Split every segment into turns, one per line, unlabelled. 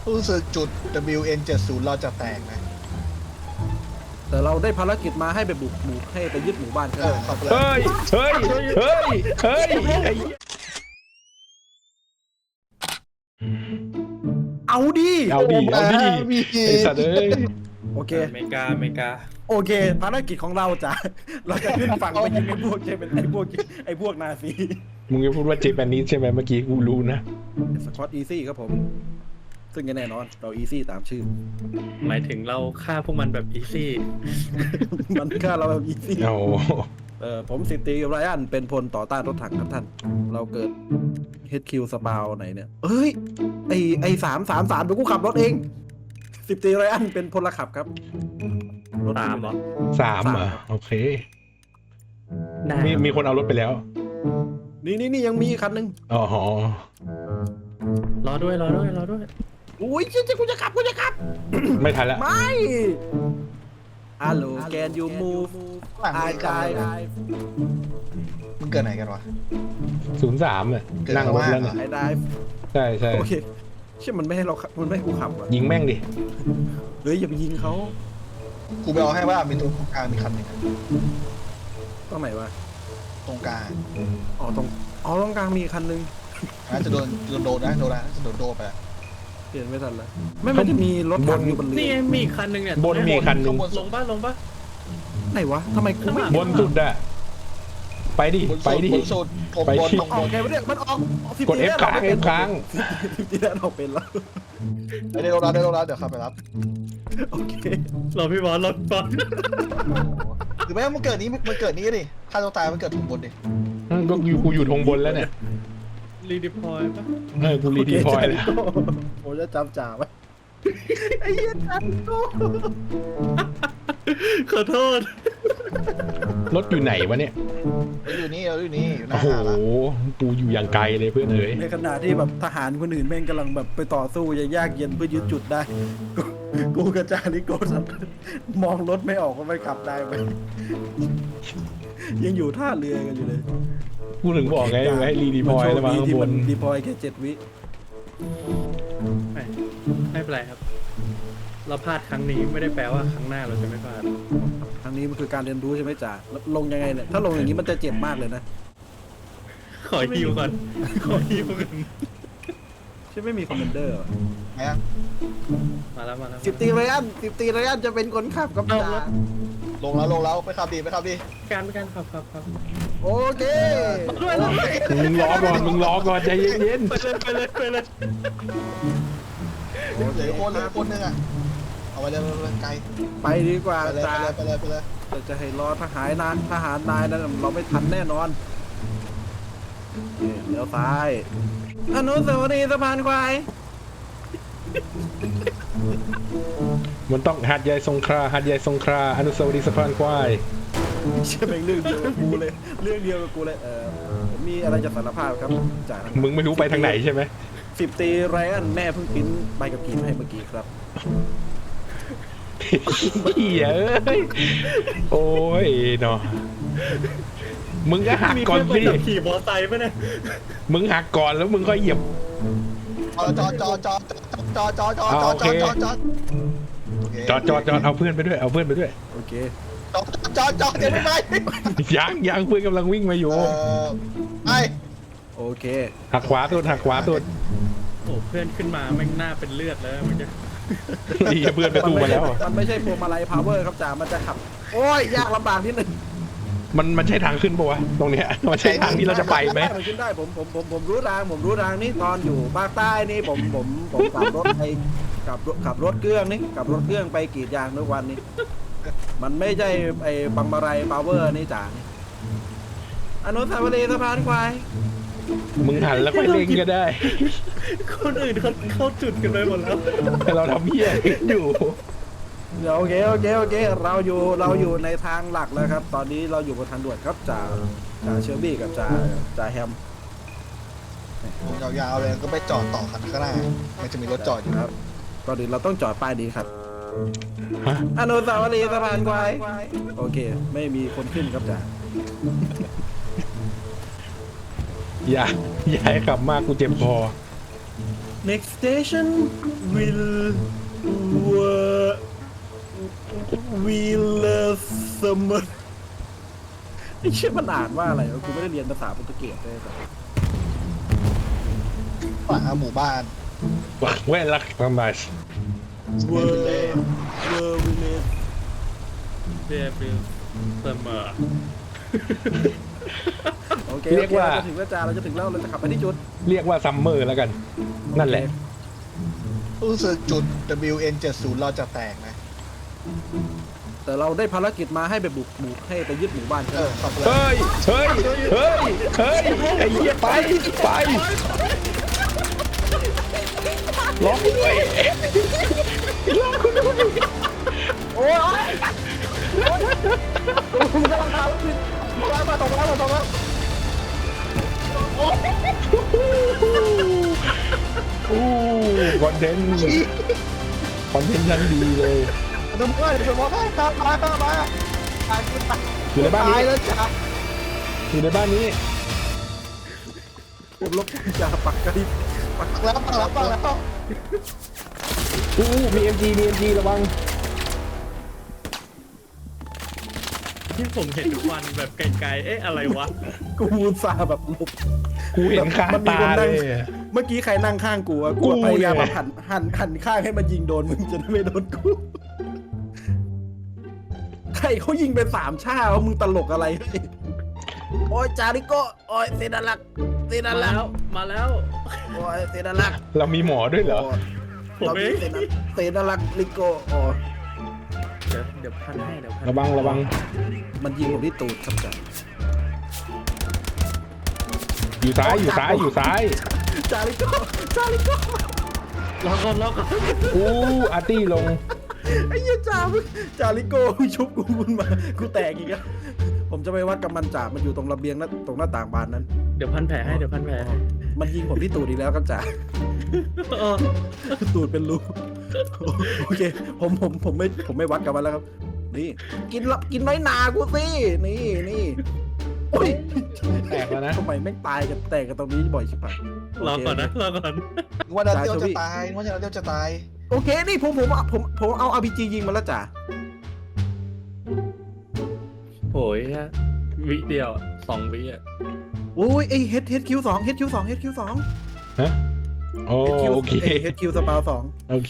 รู้สึกจุด WN70 เราจะแตกนะ
แต่เราได้ภารกิจมาให้ไปบุกหมู่ให้ไปยึดหมู่บ้านก็
เอ
ได้
อขับเลย
เฮ้ยเฮ้ยเฮ้ยเฮ้ยไอ้
เอาดิ
เอาดิเอาดิ
มี
ไอ้สัตว์เอ้ย
โอเค
อเมริกา
โอเค ภารกิจของเราจะเราจะขึ้นฝั่งไปยิงไอ้พวกใช่เป็นไอ้พวกนาซี
มึงจะพูดว่าเจแปนนิสใช่ไหมเมื่อกี้กูรู้นะ
สควอตอีซี่ครับผม ซึ่งแน่นอนเราอีซี่ตามชื่อ
หมายถึงเราฆ่าพวกมันแบบอีซี่
มันฆ่าเราแบบอีซี่
เอา
ผมสิบตรีไรอันเป็นพลต่อต้านรถถังครับท่าน เราเกิด HQ สปาวไหนเนี่ยเอ้ยไอ333เดี๋ยวกูขับรถเองสิบตรีไรอันเป็นพลขับครับรถ
ตามเหรอ
3เหรอโอเค
ได้
มีคนเอารถไปแล้ว
นี่ยังมีอีกคันหนึง
อ๋อ
รอด้วย
อุ้ยเจ๊กูจะขับ
ไม่ทันละ
ไม่ฮัลโหลแกนยูมูฟ
หลัง
ไอ
ไม่
จา
ขับ
ย
เลยมึงเกิดไหนกันวะ
03อ่ะ
เกิด
นั่งรถแล้ว
ข้างล่างเหร
เนี่ย
อ
ไอไดฟ์
ใช่ใช่
โอเคเชื่อมันไม่ให้เราขับมันไม่ให้กูขับอ่ะ
ยิงแม่งดิ
เฮ้ยอย่าไปยิงเขา
กูไปเอาให้ว่ามีตรงกลางมีคันหนึ่งอะ
ตรงไหนวะ
ตรงกลาง
อ๋อตรงกลางมีคันหนึง
น่าจะโดนนะโดนนะจะโดนโดนไปแล้ว
เปลี่ยนไม่ทันแล้วไม่มันจะมีรถถังอยู่บนเรื
นี่
อ
มีอีกคันหนึ่งเนี่ย
บนมีคันหนึง
ลงป่ะ
ไหนวะทำไมกูไม่
บนสุดอะไปดิ
บน
ไป
สุด
ดิ
บนสุดผม
ไป
บน
ที่
ตรง
ออบ ก
น
ไงวะเนี่ยมันออก
กด F ค้าง F ค้าง
ที่แรกออกเป็นแล้ว
ไปได้โดนแล้วเดี๋ยวขับไปรับ
โอเค
รอพี่บอลรถบอล
หรือไม่มันเกิดนี้ดิถ้าตัวตายมันเกิดถุงบนดิ
ก็กูอยู่ทงบนแล้วเนี่ย
รีดิพอยป่ะ
กูรีดีพอยแล้ว
โอ้จะจำจ่าไว้ไอ้เหี้ยจันโก้
ขอโทษ
รถอยู่ไหนวะเนี่ย
อยู่นี่อยู่ห
โอ้
น้า
โห
หาดละ
กูอยู่อย่างไกลเลยเพื่อนเอ๋ย
ในขณะที่แบบทหารคนอื่นแม่งกำลังแบบไปต่อสู้ยากเย็นเพื่อยึดจุดได้ กูกับจาริโก้สัตว์มองรถไม่ออกว่ามันขับได้ไหมยังอยู่ท่าเรือกันอยู่เลย
กูถึงบอกไงว่าให้รีดีพอยแล้วมาข้าง
ที่
บ
มัน นดีพอยแค่7 วิ
ไม่เป็นไรครับ เราพลาดครั้งนี้ไม่ได้แปลว่าครั้งหน้าเราจะไม่พลาด
ครั้งนี้มันคือการเรียนรู้ใช่ไหมจ่าแล้วลงยังไงเนี่ยถ้าลงอย่างนี้มันจะเจ็บมากเลยนะ
ขอฮิวก่อนขอฮิวก่อน
ใช่ไม่มีคอมเมนเดอร์
ไหนอะ
มาแล้ว
สิบตีไรอันจะเป็นคนขับกับจ่า
ลงแล้วไปขับดี
การขับ
โอเค
ด้วย
มึงรอก่อนใจเย็น
ไปเลย
เหลือคนนึงอะเอาไปเลยไกล
ไปดีกว่า
ไปเลย
จ่า
ไปเลย
เราจะให้รอทหารนายนั้นเราไม่ทันแน่นอนเลี้ยวซ้ายอนุสาวรีย์สะพานควาย
ๆมันต้องหาดใหญ่สงขลาอนุสาวรีย์สะพานควาย
ใช่เป็นเรื่องเดียวกับกูเลยผมมีอะไรจะสารภาพครับจ่า
มึงไม่รู้ไปทางไหนใช่ไหม
10 ตีไรอันแม่เพิ่งพิมพ์ใบกับกีมาให้เมื่อกี้ครับ
เหี้ยเอ้ยโอ้ยเนาะมึงก็หักก่อนสิ
ขี่มอไซค์ป่ะเนี่ย
มึงหักก่อนแล้วมึงค่อยเหยียบ
จอด
จอดเอาเพื่อนไปด้วย
โอเค
จอดเดี๋ยวไม่ไป
ยังเพื่อนกำลังวิ่งมาอยู่
ไป
โอเค
หักขวาสุด
โอ้เพื่อนขึ้นมาแม่งหน้าเป็นเลือดแล้วมันจะ
นี่เพื่อนไปตู้มาแล้ว
มันไม่ใช่พวงมาลัยพาวเวอร์ครับจ่ามันจะขับ โอ้ยยากลำบากนิดหนึง
มันใช่ทางขึ้นปะวะตรงเนี้ยมันใช่ทางที่เราจะไปไหม
มันขึ้นได้ผมรู้ทางนี่ตอนอยู่ภาคใต้นี่ผมขับรถไปขับรถเครื่องไปกรีดยางทุกวันนี่มันไม่ใช่ไอ้บังมาลัยพาวเวอร์นี่จ่านี่อนุสาวรีย์สะพานควาย
มึงหันแล้วค่อยเล่งก็ได้
คนอื่นเขาเข้าจุดกันไปหมดแล้ว
แต่เราทำเหี้ยอยู่
เดี๋ยวโอเคเราอยู่ในทางหลักแล้วครับ ตอนนี้เราอยู่บนทางด่วนครับจ่าเชอร์บี้กับจ่าแฮม
ยาวๆเลยก็ไปจอดต่อคันข้างหน้ามันจะมีรถจอดอยู่
ครับก่อนอื่นเราต้องจอดป้ายดีครับ
ฮะ
อนุสาวรีย์สะพานควายโอเค ไม่มีคนขึ้นครับจ่า
อย่าให้ขับมากกูเจ็บคอ
next station will summer ไอ้เชี่ยมันอ่านว่าอะไรวะกูไม่ได้เรียนภาษาโปรตุเกสเลยแต่
ฝั่งหมู่บ้าน
หวังแว่นรักทำไม
เวอร์วิเลส
เบียร์ฟิลเสมอ
โอเค
เรียกว่า
เราจะถึงแล้วจ้าเราจะถึงแล้วเราจะขับไปที่จุด
เรียกว่าซัมเมอร์แล้วกัน นั่นแหละ
รู้สึกจุด WN70 เราจะแตกนะ
แต่เราได้ภารกิจมาให้ไปบุกหมู่ให้ไปยึดหมู่บ้านใช่ไหม
ขอบคุณ
เฮ้ย เฮ้ย เฮ้ย เฮ้ย ไอ้เหี้ยไป ไปล็อกด้วยล็อกคุณด้วย
โอ้ยมึงกำลังทำมาตรงแล้ว
อู้คอนเทนต์คอนเทนต์ชั้นดีเลย
ดูเพื่อนดูเพื่อนตามมา
อยู่ในบ้าน
ตาย
นี้
แล้วจ้ะ
อยู่ในบ้านนี้
ผมลบจ่าปักกระดิบ
ปักแล้ว
อู้มี MG มี MG ระวัง
ที่ผมเห็นทุกวันแบบไกลๆ เอ๊ะอะไรวะ
กูอุตส่าห์แบบลบ
กูเห็นคา
มันมี
ตา
คนนั่
เล
ง
ย
เมื่อกี้ใครนั่งข้างกูอะกูพยายามแบบหันข้างให้มันยิงโดนมึงจะได้ไม่โดนกูใครเขายิงไป3 ชาแล้วมึงตลกอะไรโอ้ยจาริโกโอ้ยเซนาลัก
มาแล้ว
โอ้ยเซนาลัก
เรามีหมอด้วยเหรอ
ผมเอง
เซนาลักลิโกโอ้
เดี๋ยวพันให้เดี๋ยวพัน
ระวัง
มันยิงผมที่ตูดครับจ้ะ
อยู่ซ้าย อยู่ซ้าย อยู่ซ้าย
จาริโก
รอก่อน
อู้อาร์ตี้ลง
ไอ้เหี้ยจาริโกชุบกูขึ้นมากูแตกอีกแล้วผมจะไปวัดกับมันจ่ามันอยู่ตรงระเบียงนะตรงหน้าต่างบานนั้น
เดี๋ยวพันแผลให้เดี๋ยวพันแผลให้
มันยิงผมที่ตูดอีกแล้วครับจ่า
เออ
ตูดเป็นรูโอเคผมไม่วัดกับมันแล้วครับ นี่กินน้อยนากูสินี่โอ้ย
แตกแล้วนะ
ทำไมแม่งตายกันแตกกันตรงนี้บ่อยชิบหาย
รอก่อนนะรอก่อน
ว่าเดียวจะตายว่าเดียวจะตาย
โอเคนี่ผมเอา RPG ยิงมาแล้วจ่า
โอ้ยฮะวิเดียว2 วิอ่ะ
โอ้ยไอ้ HQ2 HQ2
ฮะโอ้โอเค
HQ สปาว2
โอเค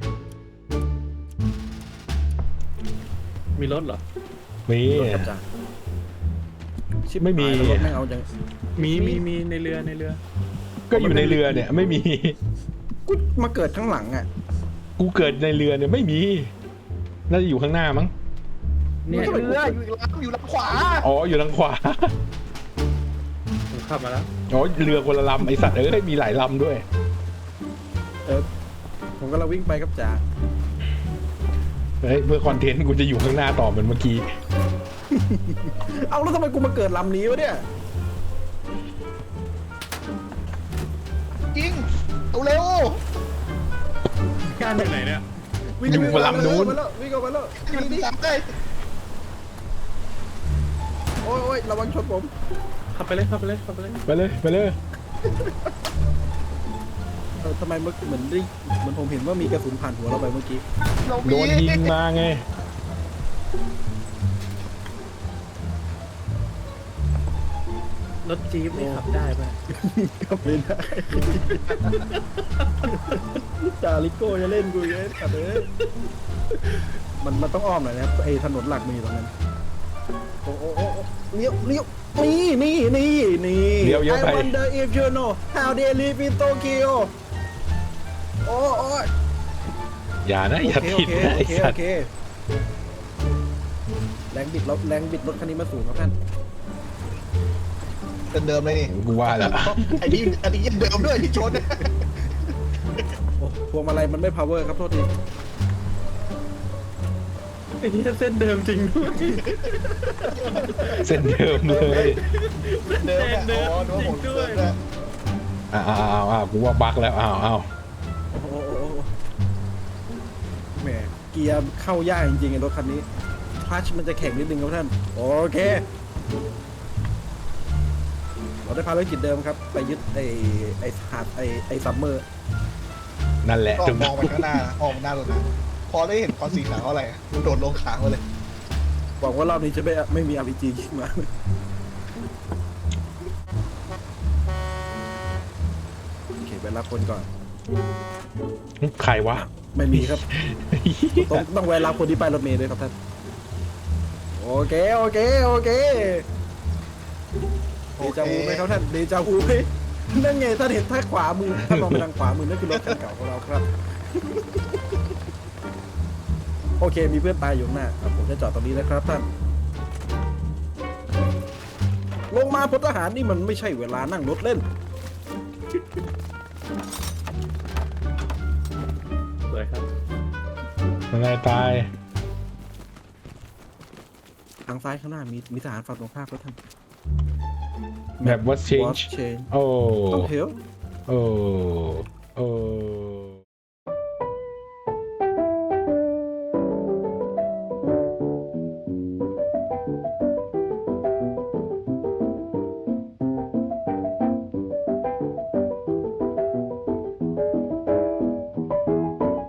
มีรถเหรอ
มี
รถกับจ่าชิบ
ไม่มี
หายแล้วรถแม่งเอาจัง
มีในเรือ
ก็อยู่ในเรือเนี่ย ไม่มี
กูมาเกิดข้างหลังอ่ะ
กูเกิดในเรือเนี่ยไม่มี น่าจะอยู่ข้างหน้ามั้ง
เนี่ย
เรืออยู่ลำขวา
อ๋อ อยู่ทางขวา
ผมขับมาแล้ว
อ๋อ เรือคนละลำไอสัตว์เอ้ย มีหลายลำด้วย
ผมกำลังวิ่งไปครับจ่า
เฮ้ย เพื่อคอนเทนต์กูจะอยู่ข้างหน้าต่อเหมือนเมื่อกี้
เอาแล้วทำไมกูมาเกิดลำนี้วะเนี่ย
ยิงเอาเร็ว
การจากไหนเนี่ย
อยู่บนลำนู้น
วิ่งออกมาแล้ว
ยิงซ้ำได้
โอ้ยระวังชนผม
ขับไปเลย
ไปเลย ไปเลย
ทำไมเหมือนผมเห็นว่ามีกระสุนผ่านหัวเราไปเมื่อกี้
โดนยิงมาไง
รถจี๊ปนี่ขับได้ป่ะ
ก็ไม่ได้จาริโก้จะเล่นกูยังขับเลยมันต้องอ้อมหน่อยนะไอ้ถนนหลักมีตรงนั้นโอ้เลี้ยวนี่
เลี้ยวเยอะไป
I wonder if you know how they live in Tokyo โอ้ย
อย่านะ อย่า
โอ
ผิด
เค
นะไอสัตว์
แรงบิดรถคันนี้มาสูงครับท่าน
เดิมเลยนี่
กูว่าแล้ว
อันนี้ยังเดิมด้วยที่ชน
โอ้พวงมาลัยมันไม่ power ครับโทษที
ไอ้นี่เส้นเดิมจริงด้วย
เส้นเดิมเลย
เดิมอ๋อนึกว่าผมเดิมนะ
อ้าวกูว่าบั๊กแล้ว อ้าว
โอ้โหแหมเกียร์เข้ายากจริงๆไอ้รถคันนี้คลัตชมันจะแข็งนิดนึงครับท่านโอเคเราได้ภารกิจเดิมครับ ไปยึดไอ้ซัมเมอร์
นั่นแหละ
ก็
ถึง
มองไปข้างหน้านะมองไปหน้ารถนะพอได้เห็นคอนสีขาวอะไรอะโดดลงขางมาเลย
หวังว่ารอบนี้จะไม่มี RPG ยิงมาโอเคไปรับคนก่อน
ใครวะ
ไม่มีครับ ต้องแวะรับคนที่ป้ายรถเมล์ด้วยครับท่าน โอเคโอเคโอเคเดจาวูไหมครับท่านเดจาวูไหมนั่นไงท่านเห็นท่าขวามือท่านมองไปทางขวามือนั่นคือรถคันเก่าของเราครับ โอเคมีเพื่อนตายอยู่ข้างหน้าครับผมจะจอดตรงนี้นะครับท่าน ลงมาพลทหารนี่มันไม่ใช่เวลานั่งรถเล่น
สวยครับ
อะไรตาย
ทางซ้ายข้างหน้ามีทหารฝั่งตรงข้ามครับท่าน
แบบว่า
What
change
change
โอ้
ต้องเฮล
โอ้โอ้